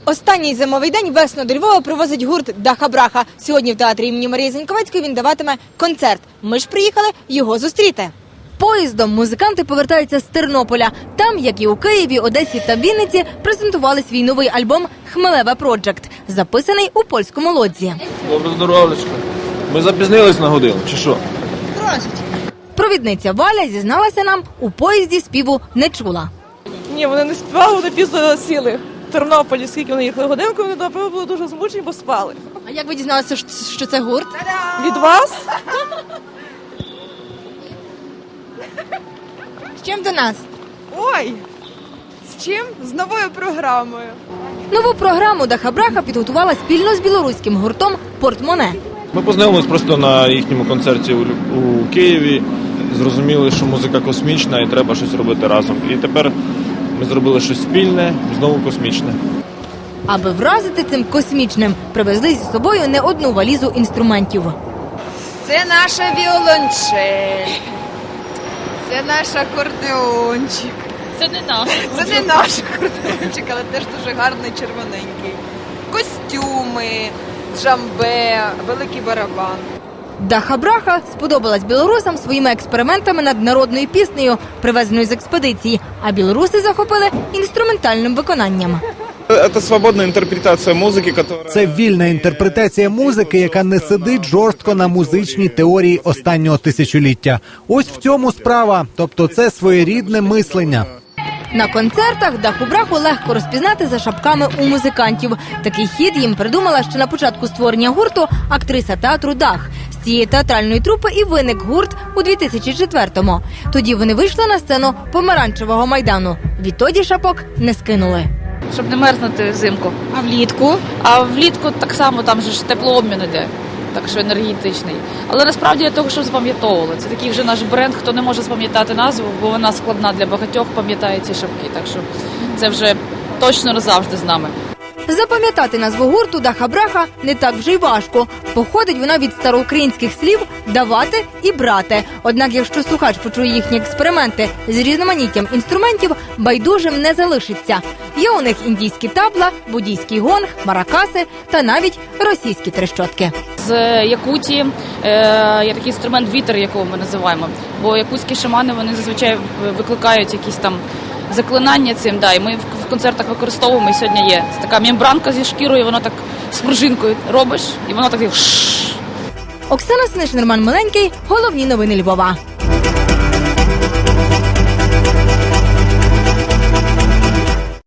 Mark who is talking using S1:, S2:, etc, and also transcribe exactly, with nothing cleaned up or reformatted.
S1: Останній зимовий день весну до Львова привозить гурт «Даха-Браха». Сьогодні в театрі імені Марії Заньковецької він даватиме концерт. Ми ж приїхали його зустріти. Поїздом музиканти повертаються з Тернополя. Там, як і у Києві, Одесі та Вінниці, презентували свій новий альбом «Хмелеве Проджект», записаний у польському Лодзі.
S2: Добре здоров'ячко. Ми запізнились на годину, чи що?
S1: Провідниця Валя зізналася нам, у поїзді співу не чула.
S3: Ні, вони не співали, вони пізно сіли. В Тернополі, скільки вони їхали годинку, вони, напевно, були дуже змучені, бо спали.
S1: А як ви дізналися, що це гурт?
S3: Від вас?
S1: З чим до нас?
S3: Ой, з чим? З новою програмою.
S1: Нову програму «Даха-Браха» підготувала спільно з білоруським гуртом «Портмоне».
S2: Ми познайомились просто на їхньому концерті у, у Києві, зрозуміли, що музика космічна і треба щось робити разом. І тепер ми зробили щось спільне, знову космічне.
S1: Аби вразити цим космічним, привезли зі собою не одну валізу інструментів.
S4: Це наша віолончель, це наш акордеончик.
S5: Це не наш.
S4: Це не наш акордеончик, але теж дуже гарний червоненький. Костюми, джамбе, великий барабан.
S1: «Даха-Браха» сподобалась білорусам своїми експериментами над народною піснею, привезеною з експедиції, а білоруси захопили інструментальним виконанням.
S6: Це свободна інтерпретація музики, яка...
S7: Це вільна інтерпретація музики, яка не сидить жорстко на музичній теорії останнього тисячоліття. Ось в цьому справа, тобто це своєрідне мислення.
S1: На концертах «Даху-Браху» легко розпізнати за шапками у музикантів. Такий хід їм придумала ще на початку створення гурту актриса театру «Дах». З цієї театральної трупи і виник гурт у дві тисячі четвертому. Тоді вони вийшли на сцену Помаранчевого майдану. Відтоді шапок не скинули.
S5: Щоб не мерзнути взимку.
S1: А влітку?
S5: А влітку так само, там же ж теплообмін іде, так що енергетичний. Але насправді для того, щоб запам'ятовували. Це такий вже наш бренд, хто не може запам'ятати назву, бо вона складна для багатьох, пам'ятає ці шапки. Так що це вже точно назавжди з нами.
S1: Запам'ятати назву гурту «Даха-Браха» не так вже й важко. Походить вона від староукраїнських слів «давати» і «брати». Однак, якщо слухач почує їхні експерименти з різноманіттям інструментів, байдужим не залишиться. Є у них індійські табла, буддійський гонг, маракаси та навіть російські трещотки.
S5: З Якутії е, є такий інструмент вітер, якого ми називаємо. Бо якутські шамани, вони зазвичай викликають якісь там заклинання цим, да, і ми в концертах використовуємо, і сьогодні є така мембранка зі шкірою, воно так з пружинкою робиш, і воно так...
S1: Оксана Сниш, Роман Миленький. Головні новини Львова.